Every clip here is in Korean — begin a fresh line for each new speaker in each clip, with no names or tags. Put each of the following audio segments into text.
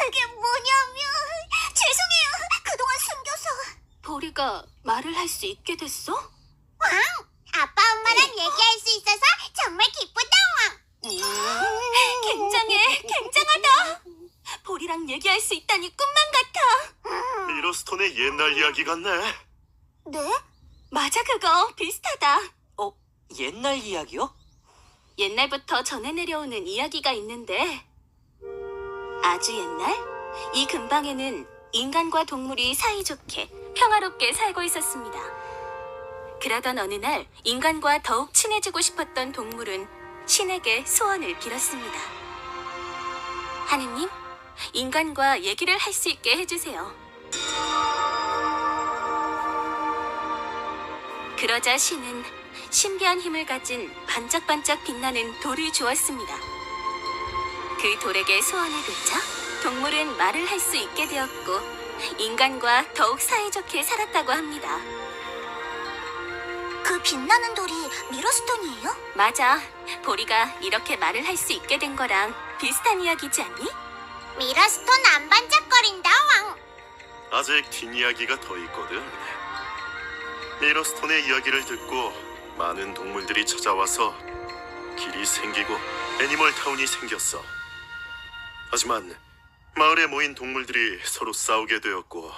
그게 뭐냐면 죄송해요. 그동안 숨겨서.
보리가 말을 할 수 있게 됐어?
왕! 아빠 엄마랑 얘기할 수 있어서 정말 기쁘다,
굉장해, 굉장하다. 보리랑 얘기할 수 있다니 꿈만 같아.
미러스톤의 옛날 이야기 같네.
네?
맞아, 그거 비슷하다.
옛날 이야기요?
옛날부터 전해 내려오는 이야기가 있는데 아주 옛날 이 근방에는 인간과 동물이 사이좋게 평화롭게 살고 있었습니다. 그러던 어느 날 인간과 더욱 친해지고 싶었던 동물은 신에게 소원을 빌었습니다. 하느님, 인간과 얘기를 할 수 있게 해주세요. 그러자 신은 신비한 힘을 가진 반짝반짝 빛나는 돌을 주었습니다. 그 돌에게 소원을 빌자 동물은 말을 할 수 있게 되었고 인간과 더욱 사이좋게 살았다고 합니다.
그 빛나는 돌이 미러스톤이에요?
맞아. 보리가 이렇게 말을 할 수 있게 된 거랑 비슷한 이야기지 않니?
미러스톤 안 반짝거린다, 왕.
아직 뒷이야기가 더 있거든. 미러스톤의 이야기를 듣고 많은 동물들이 찾아와서 길이 생기고 애니멀타운이 생겼어. 하지만 마을에 모인 동물들이 서로 싸우게 되었고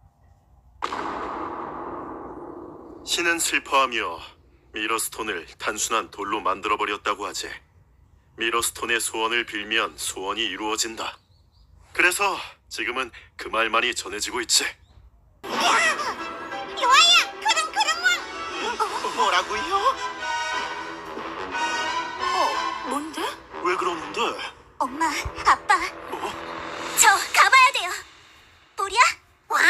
신은 슬퍼하며 미러스톤을 단순한 돌로 만들어버렸다고 하지. 미러스톤의 소원을 빌면 소원이 이루어진다. 그래서 지금은 그 말만이 전해지고 있지.
요아야, 그럼 왕.
뭐라고요?
뭔데?
왜 그러는데?
엄마, 아빠. 저 가봐야 돼요. 보리야? 왕!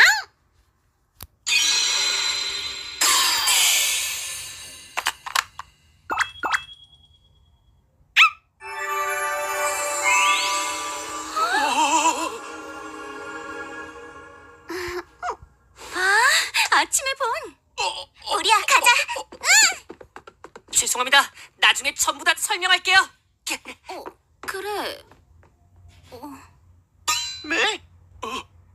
아침에 본.
보리야, 가자.
죄송합니다. 나중에 전부 다 설명할게요.
그래.
네?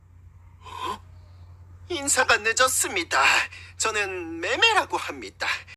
인사가 늦었습니다. 저는 매매라고 합니다.